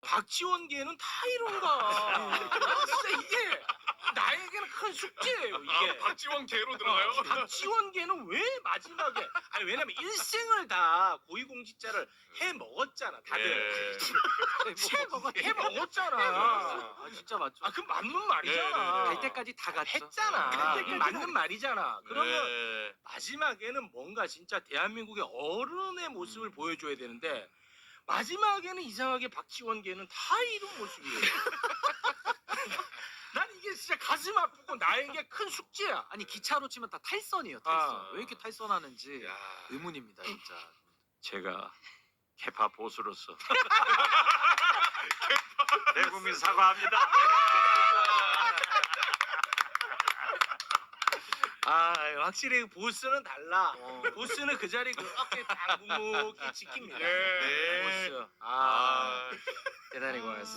박지원계는 다 이런가. 진짜 이게 나에게는 큰 숙제예요. 이게. 박지원 개로 들어가요? 박지원계는 왜 마지막에 아니 왜냐면 일생을 다 고위공직자를 해 먹었잖아 다들. 해 먹었잖아. 아 진짜 맞죠. 아 그 맞는 말이잖아. 네. 갈 때까지 다 갔죠. 했잖아. 갈 때까지 맞는 말이잖아. 그러면 네. 마지막에는 뭔가 진짜 대한민국의 어른의 모습을 보여줘야 되는데 마지막에는 이상하게 박지원계는 다 이런 모습이에요. 난 이게 진짜 가슴 아프고 나에게 큰 숙제야. 아니 기차로 치면 다 탈선이에요. 탈선. 아. 왜 이렇게 탈선하는지 야. 의문입니다 진짜. 제가 개파 보수로서 대국민 사과합니다. 아 확실히 보스는 달라. 보스는 그 자리 그렇게 딱 묵묵히 지킵니다. 네. 보스. 아. 대단히 고맙습니다.